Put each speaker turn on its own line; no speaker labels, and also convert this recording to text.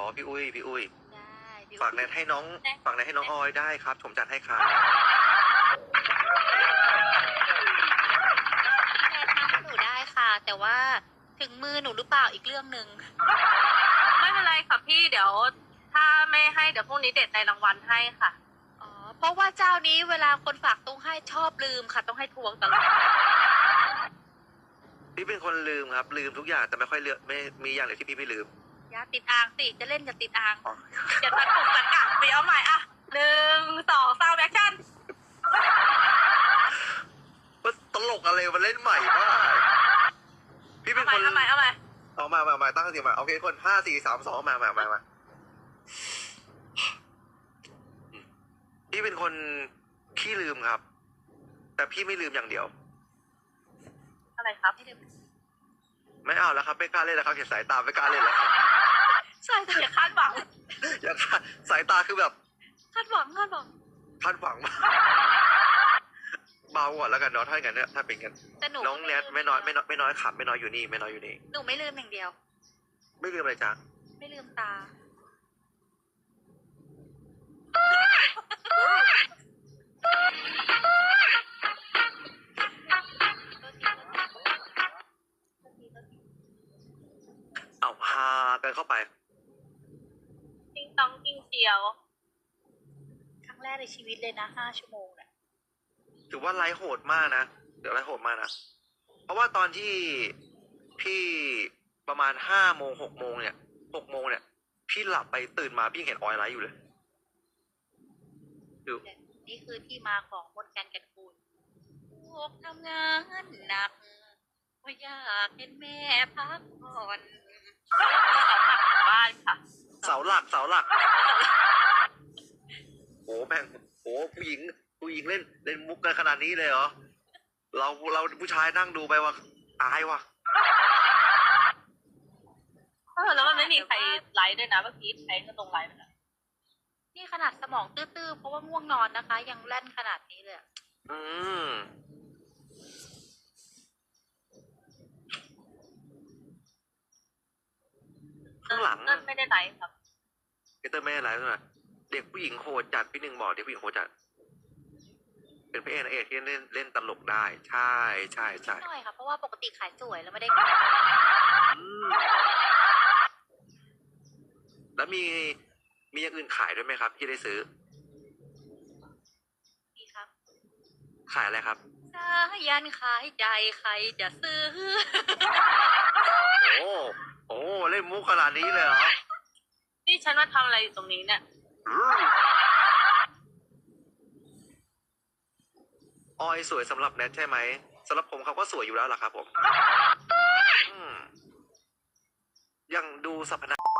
อ๋อพี่อุ้ยพี่อุ้ย
ได้พี่
ฝากแนทให้น้องฝากแนทให้น้องออยได้ครับผมจัดให้ครับ
แนททำให้หนูได้ค่ะ แต่ว่าถึงมือหนูหรือเปล่าอีกเรื่องหนึ่ง
ไม่เป็นไรค่ะพี่เดี๋ยวถ้าไม่ให้เดี๋ยวพรุ่งนี้เด็ดในรางวัลให้ค่ะ
อ๋อ เพราะว่าเจ้านี้เวลาคนฝากตุ้งให้ชอบลืมค่ะ ต้องให้ทวงตลอด
พี่เป็นคนลืมครับ ลืมทุกอย่างแต่ไม่ค่อยเลือกไม่มีอย่างเดียวที่พี่ไม่ลืม
อย่าติดอ่างสิจะเล่นอย่าติดอ่าง
อ๋อ
อย่าตัดผมตัดกะไปเอาใหม่อ่ะ1 2 3แอคชั่น
มันตลกอะไรมันเล่นใหม่มากพี่เป็นคน
เอาใหม่
เอามาตั้งสติมาโอเคคน5 4 3 2มาพี่เป็นคนขี้ลืมครับ แต่พี่ไม่ลืมอย่างเดียว
อะไรครับ
ไม่เอาแล้วครับไม่กล้าเล่นแล้วครับเห็นสายตาไม่กล้าเล่นแล้วครับ
ใช่ค่ะ
อย่าคาดหวัง
อย่าคาดสายตาคือแบบ
คาดหวังคาดหวัง
คาดหวังมากเบาก่อนแล้วกันเนาะถ้าอย่างนั้นเนี่ยถ้าเป็นกัน
แต่หนู
น้องแนทไม่น้อยขับไม่น้อยอยู่นี่ไม่น้อยอยู่นี่
หนูไม่ลืมอย่างเดียว
ไม่ลืมอะไรจ้ะ
ไม่ลืมตา
เอาพากันเข้าไป
ติ้งต้องติ้งเชียว
ครั้งแรกในชีวิตเลยนะ5 ชั่วโมงเนี่ย
ถือว่าไลฟ์โหดมากนะเดี๋ยวไลฟ์โหดมากนะเพราะว่าตอนที่พี่ประมาณ5 โมง6 โมงเนี่ย6 โมงเนี่ยพี่หลับไปตื่นมาพี่ยังเห็นออยไลฟ์อยู่เลยดู
นี่คือที่มาของมนต์การแก่นคูณพวกทำงานหนักว่าอยากเห็นแม่พักผ่อน
บ้านค่ะ
เสาหลักโอ้แม่งโอ้ผู้หญิงเล่นมุกกันขนาดนี้เลยเหรอเราผู้ชายนั่งดูไปว่าอายว่ะ
แล้วมันไม่มีใครไลฟ์ด้วยนะเมื่อกี้ใครก็ตรงไลฟ์ไปแล้ว
นี่ขนาดสมองตื้อๆเพราะว่าง่วงนอนนะคะ ยังแล่นขนาดนี้เลยอะ
อืมข้างหลัง
เติ้ลไม่ได้ไลฟ์ครับ
พีเตอร์ไม่ได้ไลฟ์ด้วยนะเด็กผู้หญิงโหดจัดพี่หนึ่งบอกเด็กผู้หญิงโหดจัดเป็นพระเอกนางเอกที่เล่นตลกได้ ใช่
หน่อยค่ะเพราะว่าปกติขายสวยแล้วไม่ได้
อืมแล้วมีอย่างอื่นขายด้วยไหมครับ ที่ได้ซื้อ
ดีครับ
ขายอะไรครับ
สายันขายใจใครจะซื้อ
โอ้เล่นมุกขนาดนี้เลยเหรอ
นี่ฉันมาทำอะไรอยู่ตรงนี้เนี่ย
อืมออยสวยสำหรับแนทใช่ไหมสำหรับผมเขาก็สวยอยู่แล้วล่ะครับผม ยังดูสรรพนาม